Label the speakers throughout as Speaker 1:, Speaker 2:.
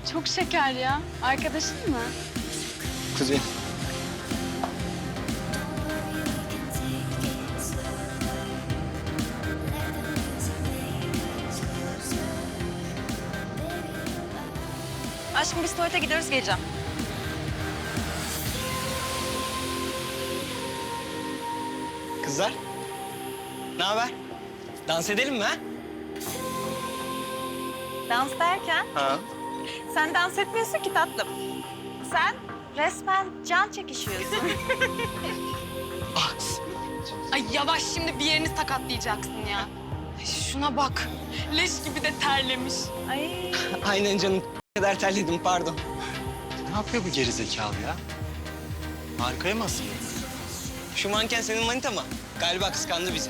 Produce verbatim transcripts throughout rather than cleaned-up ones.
Speaker 1: Çok şeker ya. Arkadaşın mı?
Speaker 2: Kuzey.
Speaker 3: Aşkım biz tuvalete gidiyoruz, geleceğim.
Speaker 2: Kızlar. Ne haber? Dans edelim mi ha?
Speaker 3: Dans derken
Speaker 2: Ha.
Speaker 3: sen dans etmiyorsun ki tatlım. Sen resmen can çekişiyorsun.
Speaker 1: Ay yavaş, şimdi bir yerini sakatlayacaksın ya. Ay, şuna bak. Leş gibi de terlemiş.
Speaker 3: Ay.
Speaker 2: Aynen canım. Ne kadar terledim pardon.
Speaker 4: Ne yapıyor bu gerizekalı ya? Harikaya mı asılıyor?
Speaker 2: Şu manken senin manita mı? Galiba kıskandı bizi.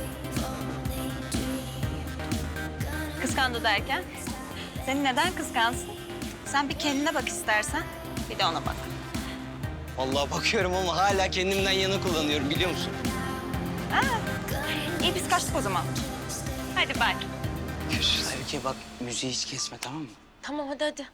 Speaker 3: Kıskandı derken? Seni neden kıskansın? Sen bir kendine bak istersen, bir de ona bak.
Speaker 2: Vallahi bakıyorum ama hala kendimden yana kullanıyorum biliyor musun?
Speaker 3: Ha. İyi biz kaçtık o zaman. Hadi bak.
Speaker 2: Aybike bak müziği hiç kesme tamam mı?
Speaker 1: Tamam hadi hadi.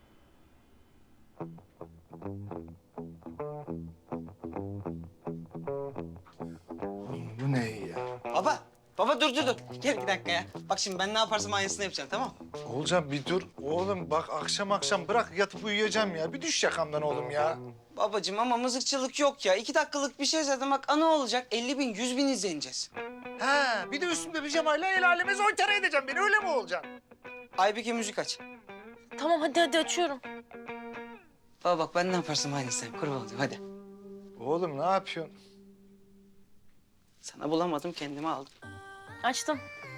Speaker 5: Bu ne ya?
Speaker 2: Baba, baba dur dur dur. Gel bir dakika ya. Bak şimdi ben ne yaparsam aynısını yapacağım tamam mı?
Speaker 5: Oğulcan bir dur. Oğlum bak akşam akşam bırak yatıp uyuyacağım ya. Bir düş yakamdan oğlum ya.
Speaker 2: Babacığım ama mızıkçılık yok ya. İki dakikalık bir şey zaten bak ana olacak. elli bin, yüz bin izleneceğiz.
Speaker 5: Ha bir de üstümde pijamayla el aleme zoytara edeceğim beni öyle mi olacaksın?
Speaker 2: Aybike müzik aç.
Speaker 1: Tamam hadi hadi açıyorum.
Speaker 2: Baba bak ben ne yaparsam aynısını yap. Kurban olayım hadi.
Speaker 5: Oğlum ne yapıyorsun?
Speaker 2: Sana bulamadım kendime aldım.
Speaker 1: Açtım.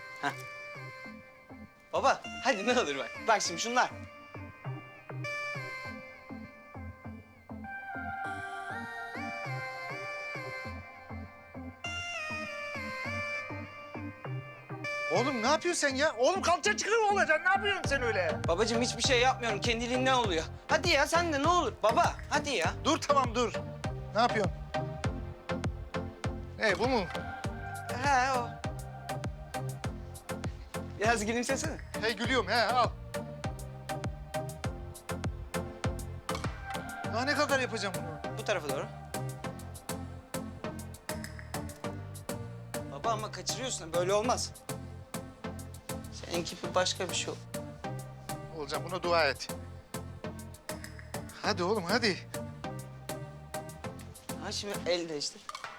Speaker 2: Baba hadi ne olur bak. Bak şimdi şunlar.
Speaker 5: Oğlum ne yapıyorsun sen ya? Oğlum kalça çıkıyor mu olacaksın? Ne yapıyorsun sen öyle?
Speaker 2: Babacığım hiçbir şey yapmıyorum. Kendiliğinden oluyor. Hadi ya sen de ne olur. Baba hadi ya.
Speaker 5: Dur tamam dur. Ne yapıyorsun? Hey bu mu?
Speaker 2: He o. Biraz gülümsesene.
Speaker 5: Hey gülüyorum he al. Daha ne kadar yapacağım bunu?
Speaker 2: Bu tarafa doğru. Baba ama kaçırıyorsun. Böyle olmaz. Seninki bir başka bir şey ol.
Speaker 5: Oğulcan buna dua et. Hadi oğlum hadi.
Speaker 2: Ha şimdi el değiştir.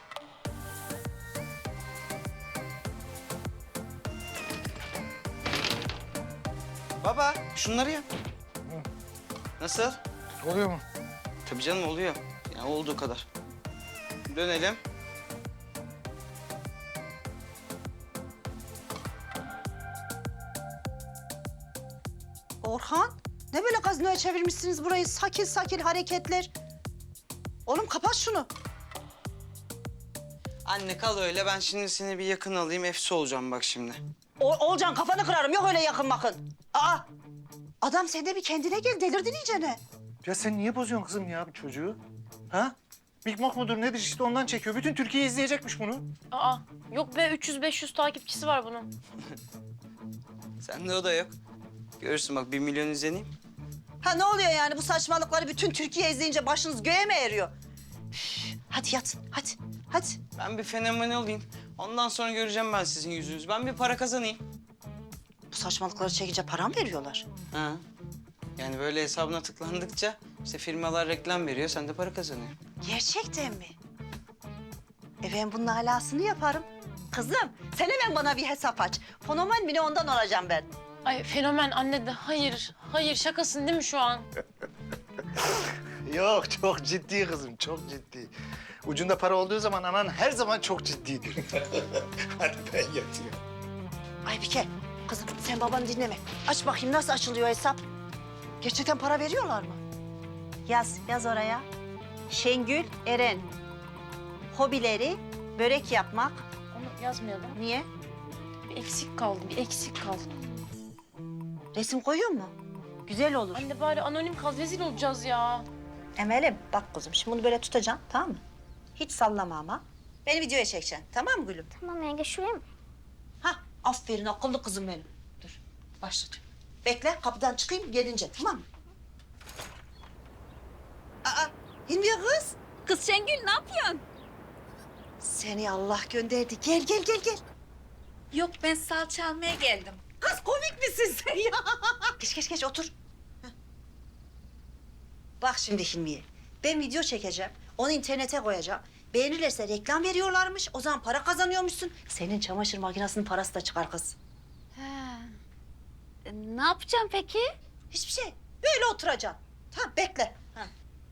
Speaker 2: Baba şunları yap. Nasıl?
Speaker 5: Oluyor mu?
Speaker 2: Tabii canım oluyor. Yani olduğu kadar. Dönelim.
Speaker 6: Orhan, ne böyle gazinoya çevirmişsiniz burayı? Sakil sakil hareketler. Oğlum kapat şunu.
Speaker 2: Anne kal öyle. Ben şimdi seni bir yakın alayım. Efsi olacağım bak şimdi.
Speaker 6: O, Olcan kafanı kırarım. Yok öyle yakın bakın. Aa, adam sen de bir kendine gel. Delirdin iyicene.
Speaker 5: Ya sen niye bozuyorsun kızım ya bu çocuğu? Ha? Big Mac mudur nedir işte ondan çekiyor. Bütün Türkiye izleyecekmiş bunu.
Speaker 1: Aa yok be, üç yüz beş yüz takipçisi var bunun.
Speaker 2: Sende o da yok. Görürsün bak bir milyon izleneyim.
Speaker 6: Ha ne oluyor yani bu saçmalıkları bütün Türkiye izleyince başınız göğe mi eriyor? Üf, hadi yat, hadi, hadi.
Speaker 2: Ben bir fenomen olayım. Ondan sonra göreceğim ben sizin yüzünüzü. Ben bir para kazanayım.
Speaker 6: Bu saçmalıkları çekince para mı veriyorlar?
Speaker 2: Ha. Yani böyle hesabına tıklandıkça işte firmalar reklam veriyor. Sen de para kazanıyorsun.
Speaker 6: Gerçekten mi? E ben bunun alasını yaparım. Kızım sen hemen bana bir hesap aç. Fenomen mi ne ondan olacağım ben.
Speaker 1: Ay fenomen anne de hayır. Hayır şakasın değil mi şu an?
Speaker 5: Yok çok ciddi kızım çok ciddi. Ucunda para olduğu zaman anan her zaman çok ciddidir. Hadi ben yatıyorum.
Speaker 6: Aybike, kızım sen babanı dinleme. Aç bakayım nasıl açılıyor hesap. Gerçekten para veriyorlar mı? Yaz, yaz oraya. Şengül Eren. Hobileri börek yapmak.
Speaker 1: Onu yazmayalım.
Speaker 6: Niye?
Speaker 1: Bir eksik kaldı, bir eksik kaldı.
Speaker 6: Resim koyuyor mu? Güzel olur.
Speaker 1: Anne bari anonim kal, rezil olacağız ya.
Speaker 6: Emel'im bak kızım şimdi bunu böyle tutacaksın tamam mı? Hiç sallama ama. Beni videoya çekeceksin tamam mı gülüm?
Speaker 7: Tamam yenge şuraya mı?
Speaker 6: Hah aferin akıllı kızım benim. Dur başlatıyorum. Bekle kapıdan çıkayım gelince tamam mı? Hilmiye kız.
Speaker 3: Kız Şengül ne yapıyorsun?
Speaker 6: Seni Allah gönderdi. Gel gel gel gel.
Speaker 3: Yok ben salça almaya geldim.
Speaker 6: Kız komik misin sen ya? Geç geç geç otur. Heh. Bak şimdi Hilmiye. Ben video çekeceğim. Onu internete koyacağım. Beğenirlerse reklam veriyorlarmış. O zaman para kazanıyormuşsun. Senin çamaşır makinesinin parası da çıkar kız.
Speaker 3: Ha. E, ne yapacağım peki?
Speaker 6: Hiçbir şey. Böyle oturacaksın. Tamam bekle. Ha.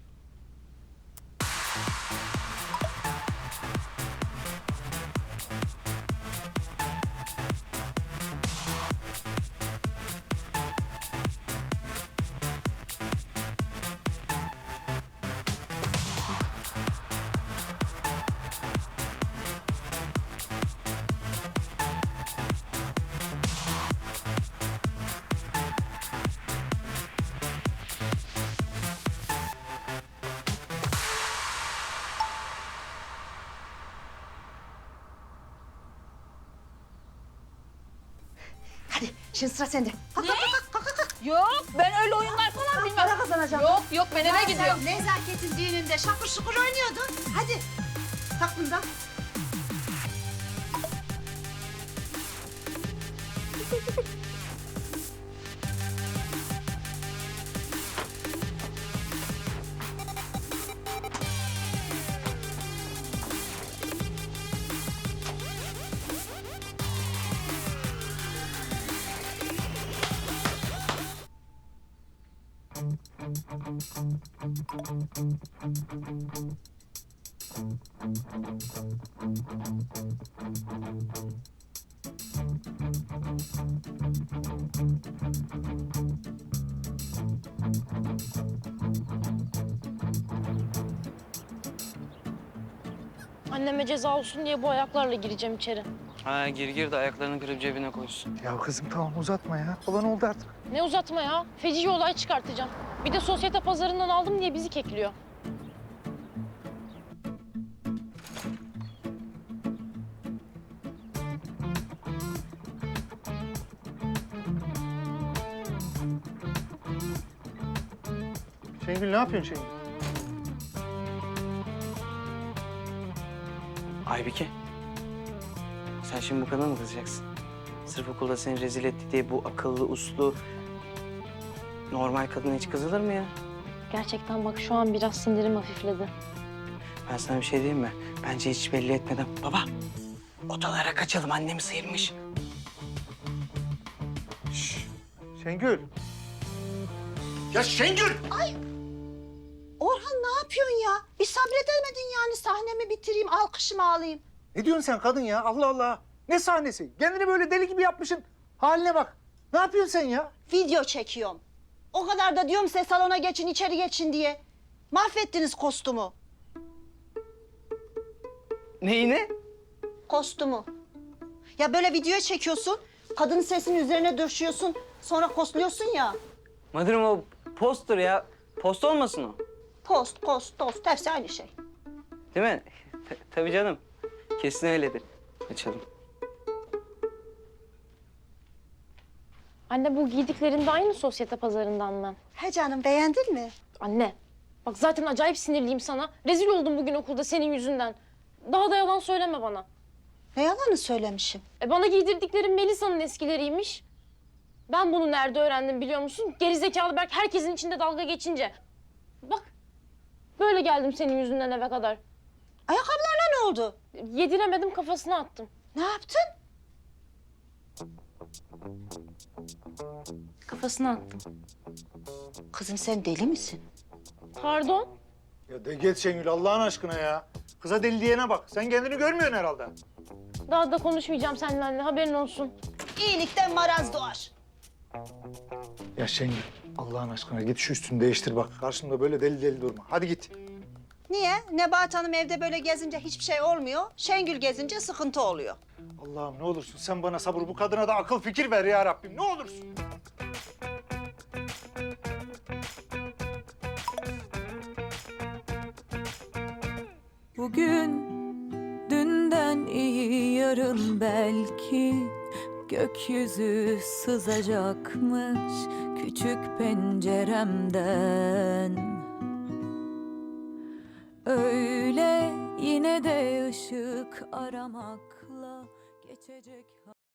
Speaker 6: Hadi şimdi sıra sende. Kalk, kalk, kalk, kalk, kalk, kalk.
Speaker 3: Yok ben öyle oyunlar falan bilmem.
Speaker 6: Para kazanacağım.
Speaker 3: Yok yok ben eve
Speaker 6: Ya
Speaker 3: gidiyorum.
Speaker 6: sen Nezaketin düğününde şakır şukur oynuyordun. Hadi tak bundan.
Speaker 7: Anneme ceza olsun diye bu ayaklarla gireceğim içeri.
Speaker 2: Ha gir gir de ayaklarını kırıp cebine koysun.
Speaker 5: Ya kızım tamam uzatma ya. Olan oldu artık.
Speaker 7: Ne uzatma ya. Feci olay çıkartacağım. Bir de sosyete pazarından aldım diye bizi kekliyor.
Speaker 5: Şengül ne yapıyorsun Şengül?
Speaker 2: Aybike. Sen şimdi bu kadına mı kızacaksın? Sırf okulda seni rezil etti diye bu akıllı, uslu, normal kadına hiç kızılır mı ya?
Speaker 7: Gerçekten bak şu an biraz sinirim hafifledi.
Speaker 2: Ben sana bir şey diyeyim mi? Bence hiç belli etmeden. Baba, odalara kaçalım. Annemi sıyırmış.
Speaker 5: Şengül. Ya Şengül!
Speaker 6: Orhan ne yapıyorsun ya? Bir sabredemedin yani sahnemi bitireyim, alkışımı alayım.
Speaker 5: Ne diyorsun sen kadın ya? Allah Allah. Ne sahnesi? Kendini böyle deli gibi yapmışsın. Haline bak. Ne yapıyorsun sen ya?
Speaker 6: Video çekiyorum. O kadar da diyorum size salona geçin, içeri geçin diye. Mahvettiniz kostümü.
Speaker 2: Neyine?
Speaker 6: Kostümü. Ya böyle video çekiyorsun, kadının sesinin üzerine döşüyorsun, sonra kostluyorsun ya.
Speaker 2: Madırım o poster ya. Post olmasın o.
Speaker 6: Post, post, tost, hepsi aynı şey.
Speaker 2: Değil mi? T- tabii canım. Kesin öyledir. Açalım.
Speaker 7: Anne bu giydiklerinde aynı sosyete pazarından mı?
Speaker 6: He canım, beğendin mi?
Speaker 7: Anne bak zaten acayip sinirliyim sana. Rezil oldum bugün okulda senin yüzünden. Daha da yalan söyleme bana.
Speaker 6: Ne yalanı söylemişim?
Speaker 7: E bana giydirdiklerin Melisa'nın eskileriymiş. Ben bunu nerede öğrendim biliyor musun? Gerizekalı Berk herkesin içinde dalga geçince. Bak böyle geldim senin yüzünden eve kadar.
Speaker 6: Ayakkabılarına ne oldu?
Speaker 7: Yediremedim kafasına attım.
Speaker 6: Ne yaptın?
Speaker 7: Kafasına attım.
Speaker 6: Kızım sen deli misin?
Speaker 7: Pardon.
Speaker 5: Ya de git Şengül Allah'ın aşkına ya. Kıza deli diyene bak. Sen kendini görmüyorsun herhalde.
Speaker 7: Daha da konuşmayacağım seninle anne haberin olsun.
Speaker 6: İyilikten maraz doğar.
Speaker 5: Ya Şengül Allah'ın aşkına git şu üstünü değiştir bak. Karşımda böyle deli deli durma. Hadi git.
Speaker 6: Niye? Nebahat Hanım evde böyle gezince hiçbir şey olmuyor. Şengül gezince sıkıntı oluyor.
Speaker 5: Allah'ım ne olursun sen bana sabır, bu kadına da akıl fikir ver ya Rabbim. Ne olursun.
Speaker 8: Bugün dünden iyi yarın belki gökyüzü sızacakmış küçük penceremden. Yine de ışık aramakla geçecek